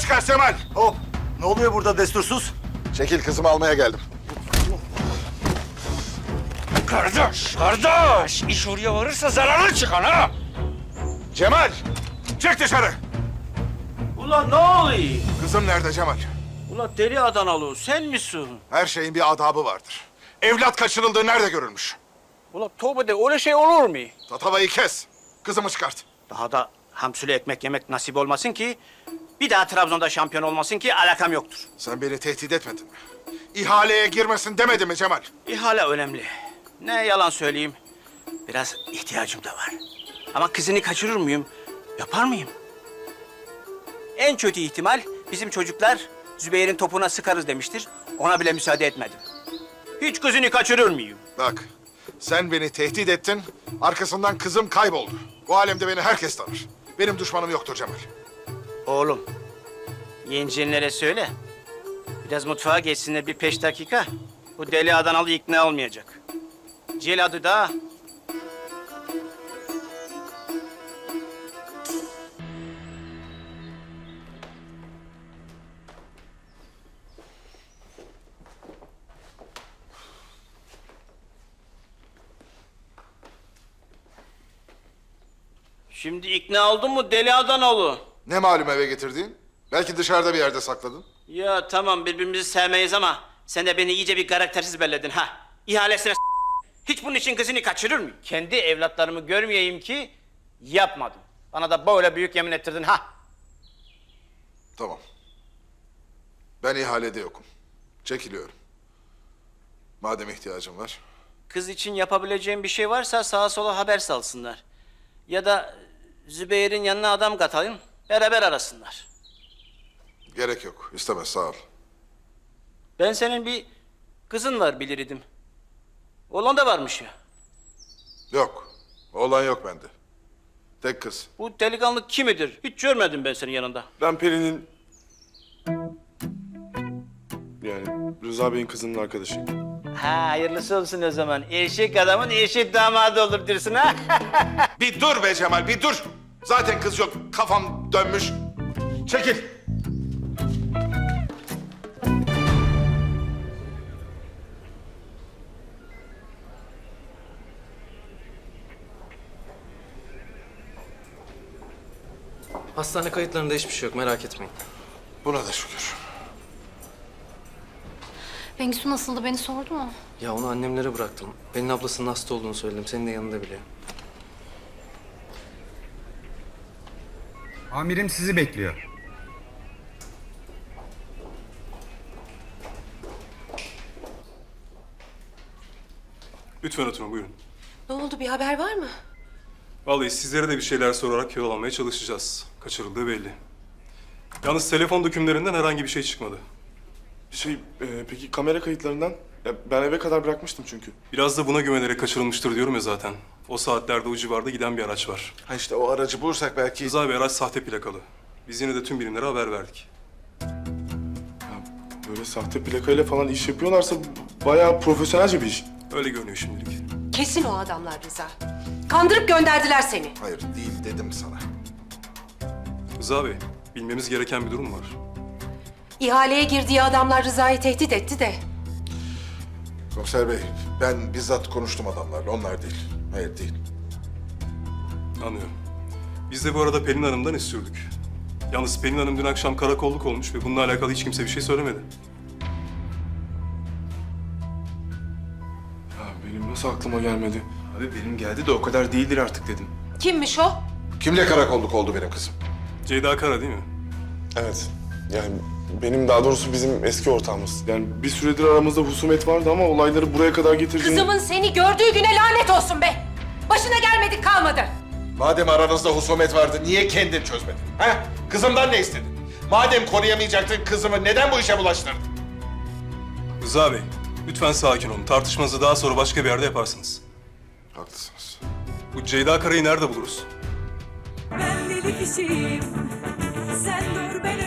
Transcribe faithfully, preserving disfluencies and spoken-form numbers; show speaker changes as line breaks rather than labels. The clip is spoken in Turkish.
çıkar Cemal.
Hop! Ne oluyor burada destursuz?
Çekil, kızımı almaya geldim.
Kardeş, kardeş! İş oraya varırsa zararlı çıkan ha!
Cemal, çık dışarı.
Ulan ne oluyor?
Kızım nerede Cemal?
Ulan deli Adanalı sen misin?
Her şeyin bir adabı vardır. Evlat kaçırıldığı nerede görülmüş?
Ulan tövbe de öyle şey olur mu?
Tatavayı kes. Kızımı çıkart.
Daha da hamsili ekmek yemek nasip olmasın ki... ...bir daha Trabzon'da şampiyon olmasın ki alakam yoktur.
Sen beni tehdit etmedin mi? İhaleye girmesin demedi mi Cemal?
İhale önemli. Ne yalan söyleyeyim. Biraz ihtiyacım da var. Ama kızını kaçırır mıyım? Yapar mıyım? En kötü ihtimal bizim çocuklar Zübeyir'in topuna sıkarız demiştir. Ona bile müsaade etmedim. Hiç kızını kaçırır mıyım?
Bak, sen beni tehdit ettin, arkasından kızım kayboldu. Bu alemde beni herkes tanır. Benim düşmanım yoktur Cemal.
Oğlum, yengenlere söyle. Biraz mutfağa geçsinler bir beş dakika. Bu deli Adanalı ikna olmayacak. Celadı da. Şimdi ikna oldun mu deli Adanalı?
Ne malum eve getirdiğin? Belki dışarıda bir yerde sakladın.
Ya tamam birbirimizi sevmeyiz ama sen de beni iyice bir karaktersiz belledin ha. İhalesine s- hiç bunun için kızını kaçırır mıyım? Kendi evlatlarımı görmeyeyim ki yapmadım. Bana da böyle büyük yemin ettirdin ha.
Tamam. Ben ihalede yokum. Çekiliyorum. Madem ihtiyacım var.
Kız için yapabileceğim bir şey varsa sağa sola haber salsınlar. Ya da Zübeyir'in yanına adam katalım, beraber arasınlar.
Gerek yok. İstemez, sağ ol.
Ben senin bir kızın var bilirdim. Oğlan da varmış ya.
Yok. Oğlan yok bende. Tek kız.
Bu delikanlı kimidir? Hiç görmedim ben senin yanında.
Ben Peri'nin... Yani Rıza Bey'in kızının arkadaşıyım.
Ha hayırlısı olsun o zaman. Eşek adamın eşek damadı olur diyorsun ha.
Bir dur be Cemal, bir dur. Zaten kız yok. Kafam dönmüş. Çekil.
Hastane kayıtlarında hiçbir şey yok, merak etmeyin.
Buna da şükür.
Bengisu nasıldı, beni sordu mu?
Ya onu annemlere bıraktım. Pelin ablasının hasta olduğunu söyledim, senin de yanında biliyor.
Amirim sizi bekliyor.
Lütfen oturun, buyurun.
Ne oldu, bir haber var mı?
Vallahi sizlere de bir şeyler sorarak yol almaya çalışacağız. Kaçırıldığı belli. Yalnız telefon dökümlerinden herhangi bir şey çıkmadı.
Şey, e, peki kamera kayıtlarından? Ya ben eve kadar bırakmıştım çünkü.
Biraz da buna güvenerek kaçırılmıştır diyorum ya zaten. O saatlerde o civarda giden bir araç var.
Ha işte o aracı bulursak belki...
Rıza Bey araç sahte plakalı. Biz yine de tüm birimlere haber verdik.
Ya böyle sahte plakayla falan iş yapıyorlarsa bayağı profesyonelce bir iş.
Öyle görünüyor şimdilik.
Kesin o adamlar Rıza. Kandırıp gönderdiler seni.
Hayır, değil dedim sana.
Rıza Bey, bilmemiz gereken bir durum var.
İhaleye girdiği adamlar Rıza'yı tehdit etti de.
Komiser Bey, ben bizzat konuştum adamlarla. Onlar değil. Hayır, değil.
Anlıyorum. Biz de bu arada Pelin Hanım'dan istiyorduk. Yalnız Pelin Hanım dün akşam karakolluk olmuş ve bununla alakalı hiç kimse bir şey söylemedi.
Ya benim nasıl aklıma gelmedi? Abi benim geldi de o kadar değildir artık dedim.
Kimmiş o?
Kimle karakolluk oldu benim kızım?
Ceyda Kara değil mi?
Evet. Yani benim daha doğrusu bizim eski ortağımız. Yani bir süredir aramızda husumet vardı ama olayları buraya kadar getirdiğin...
Kızımın seni gördüğü güne lanet olsun be! Başına gelmedik kalmadı.
Madem aranızda husumet vardı, niye kendin çözmedin? Ha? Kızımdan ne istedin? Madem koruyamayacaktın kızımı, neden bu işe bulaştırdın?
Rıza Bey, lütfen sakin olun. Tartışmanızı daha sonra başka bir yerde yaparsınız.
Haklısınız.
Bu Ceyda Kara'yı nerede buluruz?
Ben deli kişiyim. Sen dur ben